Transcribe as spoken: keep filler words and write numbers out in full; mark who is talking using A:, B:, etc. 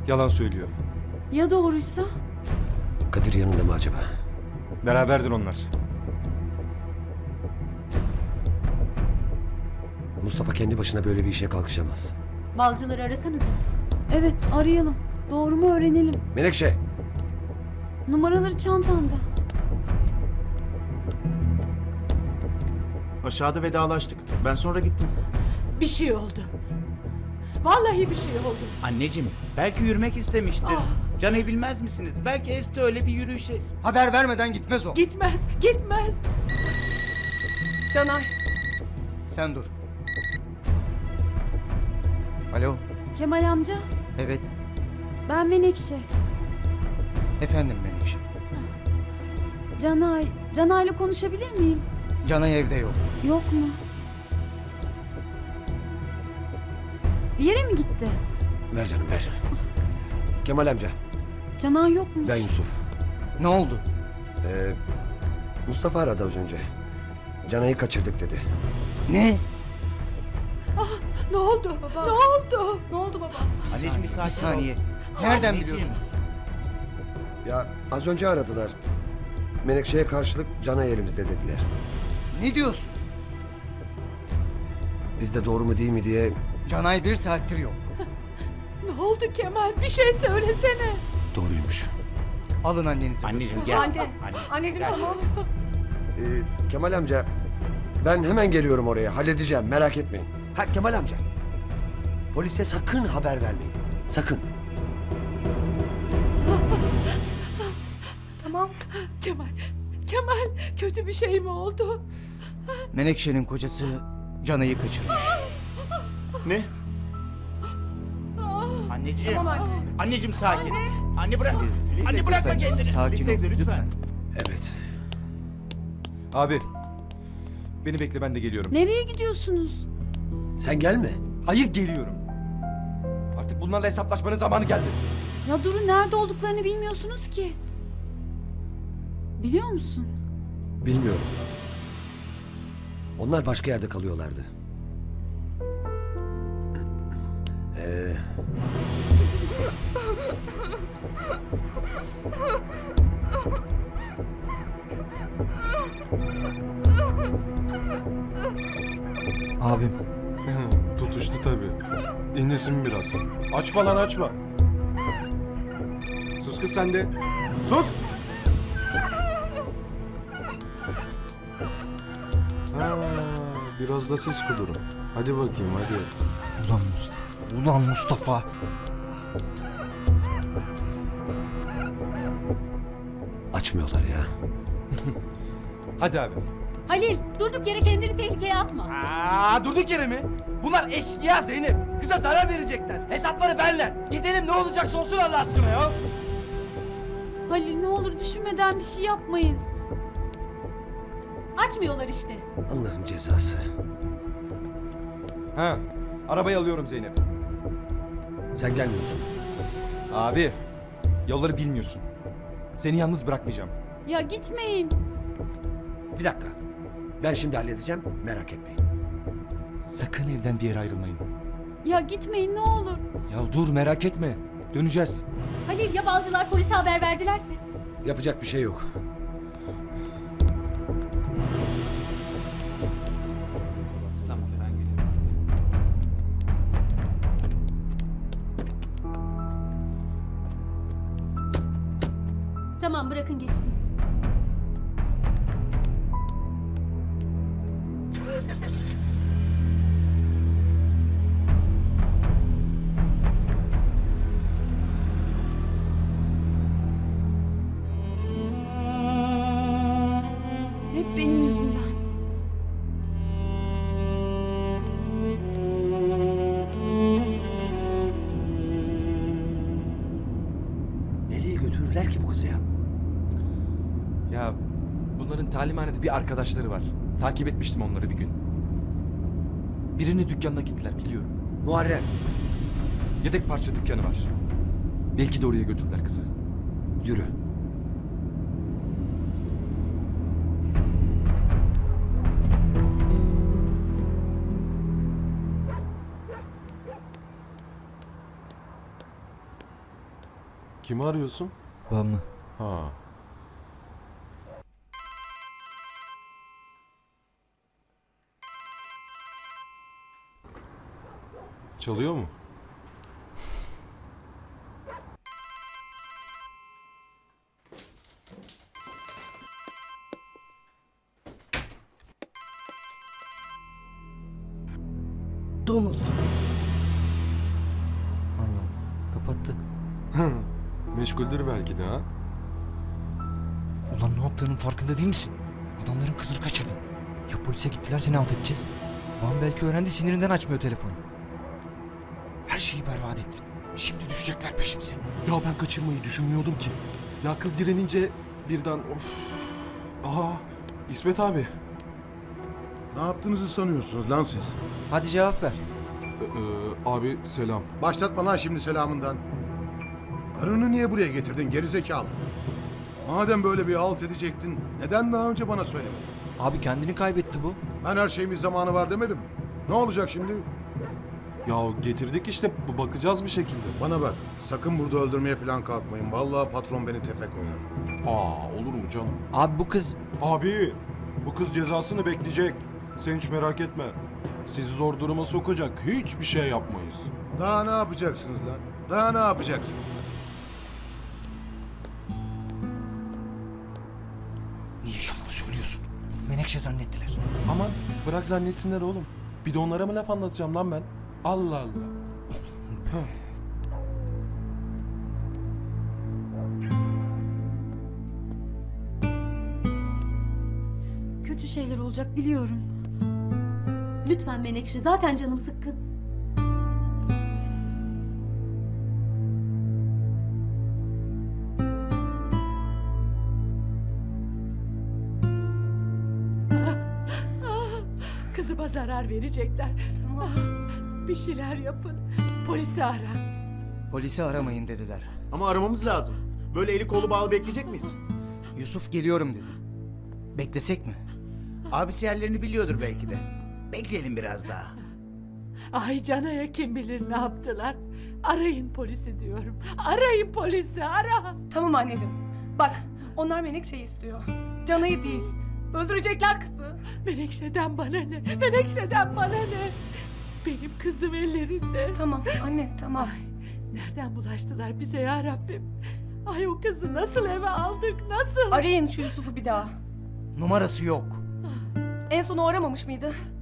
A: Yalan söylüyor.
B: Ya doğruysa?
C: Kadir yanında mı acaba?
A: Beraberdir onlar.
C: Mustafa kendi başına böyle bir işe kalkışamaz.
D: Balcıları arasanıza.
B: Evet, arayalım. Doğru mu öğrenelim.
C: Menekşe!
B: Numaraları çantamda.
E: Aşağıda vedalaştık. Ben sonra gittim.
F: Bir şey oldu. Vallahi bir şey oldu.
G: Anneciğim, belki yürümek istemiştir. Can'ı bilmez misiniz? Belki Esti öyle bir yürüyüşe...
H: Haber vermeden gitmez o.
F: Gitmez, gitmez.
H: Canay. Sen dur. Alo.
B: Kemal amca,
H: Evet.
B: ben Menekşe.
H: Efendim Menekşe.
B: Canay, Canay'la konuşabilir miyim?
H: Canay evde yok.
B: Yok mu? Bir yere mi gitti?
C: Ver canım ver. Kemal amca,
B: Canay yokmuş.
C: ben Yusuf.
H: Ne oldu?
C: Ee, Mustafa aradı az önce. Canay'ı kaçırdık dedi.
H: Ne?
F: Ne oldu? Ne oldu? Ne oldu baba?
G: Anneciğim bir sakin
H: Bir saniye.
G: ol.
H: Nereden
G: Anneciğim.
H: biliyorsun?
C: Ya az önce aradılar. Menekşe'ye karşılık Canay elimizde dediler.
H: Ne diyorsun?
C: Biz de doğru mu değil mi diye
H: Canay bir saattir yok.
F: Ne oldu Kemal? Bir şey söylesene.
C: doğruymuş.
H: Alın annenizi.
G: Anneciğim gel.
F: Anne,
G: Anne,
F: anneciğim
G: gel.
F: tamam.
C: Ee, Kemal amca, ben hemen geliyorum oraya. Halledeceğim, merak etmeyin. Ha Kemal amca, polise sakın haber vermeyin. Sakın.
F: Tamam. Kemal, Kemal kötü bir şey mi oldu?
H: Menekşe'nin kocası Canay'ı kaçırmış.
A: Ne?
G: Anneciğim.
F: Tamam anne.
G: Anneciğim sakin. Anne bırak. Anne
H: Lütfen,
G: bırakma kendini.
H: Sakin ol
A: teyze, lütfen.
H: lütfen.
C: Evet.
A: Abi. Beni bekle, ben de geliyorum.
B: Nereye gidiyorsunuz?
C: Sen gelme.
A: Hayır, geliyorum. Artık bunlarla hesaplaşmanın zamanı geldi.
B: Ya durun, nerede olduklarını bilmiyorsunuz ki. Biliyor musun?
C: Bilmiyorum. Onlar başka yerde kalıyorlardı. Ee...
H: Abim.
A: Tutuştu tabii. İnlesin biraz. Açma lan, açma. Sus kız sen de. Sus! Ha, biraz da siz kudurun. Hadi bakayım, hadi.
H: Ulan Mustafa. Ulan Mustafa.
C: Açmıyorlar ya.
A: Hadi abi.
D: Halil, durduk yere kendini tehlikeye atma.
I: Aa, durduk yere mi? Bunlar eşkıya Zeynep. Kıza zarar verecekler. Hesapları benler. Gidelim, ne olacaksa olsun Allah aşkına ya.
B: Halil, ne olur düşünmeden bir şey yapmayın.
D: Açmıyorlar işte.
C: Allah'ın cezası.
A: Ha, arabayı alıyorum Zeynep.
C: Sen gelmiyorsun.
A: Abi, yolları bilmiyorsun. Seni yalnız bırakmayacağım.
B: Ya gitmeyin.
C: Bir dakika. Ben şimdi halledeceğim, merak etmeyin.
A: Sakın evden bir yere ayrılmayın.
B: Ya gitmeyin ne olur.
A: Ya dur, merak etme. Döneceğiz.
D: Halil, ya balcılar polise haber verdilerse?
C: Yapacak bir şey yok.
G: Tamam ben geliyorum.
D: Tamam, bırakın geçsin.
B: Hep benim yüzümden.
C: Nereye götürürler ki bu kızı ya?
A: Ya bunların talimhanede bir arkadaşları var. Takip etmiştim onları bir gün. Birinin dükkanına gittiler, biliyorum.
C: Muharrem.
A: Yedek parça dükkanı var. Belki de oraya götürdüler kızı.
C: Yürü.
J: Kimi arıyorsun?
H: Ben mi?
J: Ha. Çalıyor mu?
F: Domuz.
H: Allah Allah. Kapattı.
J: Meşguldür belki de ha.
H: Ulan ne yaptığının farkında değil misin? Adamların kızını kaçırdın. Ya polise gittiler seni alt edeceğiz. Babam belki öğrendi sinirinden açmıyor telefonu. Her şeyi berbat ettin. Şimdi düşecekler peşimize.
J: Ya ben kaçırmayı düşünmüyordum ki. Ya kız direnince birden of. Aha İsmet abi.
K: Ne yaptığınızı sanıyorsunuz lan siz?
H: Hadi cevap ver.
J: Ee, abi selam.
K: Başlatma lan şimdi selamından. Karını niye buraya getirdin gerizekalı? Madem böyle bir halt edecektin, neden daha önce bana söylemedin?
H: Abi kendini kaybetti bu.
K: Ben her şeyimiz zamanı var demedim. Ne olacak şimdi?
J: Ya getirdik işte bu bakacağız bir şekilde.
K: Bana bak, sakın burada öldürmeye falan kalkmayın. Vallahi patron beni tefe koyar.
J: Aa olur mu canım?
H: Abi bu kız...
J: Abi bu kız cezasını bekleyecek. Sen hiç merak etme. Sizi zor duruma sokacak hiçbir şey yapmayız.
K: Daha ne yapacaksınız lan? Daha ne yapacaksınız?
H: Niye yalan söylüyorsun? Menekşe zannettiler.
J: Aman bırak zannetsinler oğlum. Bir de onlara mı laf anlatacağım lan ben? Allah Allah.
B: Kötü şeyler olacak biliyorum.
D: Lütfen Menekşe, zaten canım sıkkın.
F: Kızıma zarar verecekler. Tamam. Bir şeyler yapın. Polisi ara.
H: Polisi aramayın dediler.
E: Ama aramamız lazım. Böyle eli kolu bağlı bekleyecek miyiz?
H: Yusuf geliyorum dedi. Beklesek mi?
G: Abisi yerlerini biliyordur belki de. Bekleyelim biraz daha.
F: Ay Cana'ya kim bilir ne yaptılar. Arayın polisi diyorum. Arayın polisi, ara.
L: Tamam anneciğim. Bak, onlar Menekşe'yi istiyor. Canayı değil. Öldürecekler kızı.
F: Menekşe'den bana ne? Menekşe'den bana ne? Benim kızım ellerinde.
L: Tamam anne, tamam.
F: Nereden bulaştılar bize ya Rabbim? Ay o kızı nasıl eve aldık, nasıl?
L: Arayın şu Yusuf'u bir daha.
H: Numarası yok.
L: En son o aramamış mıydı?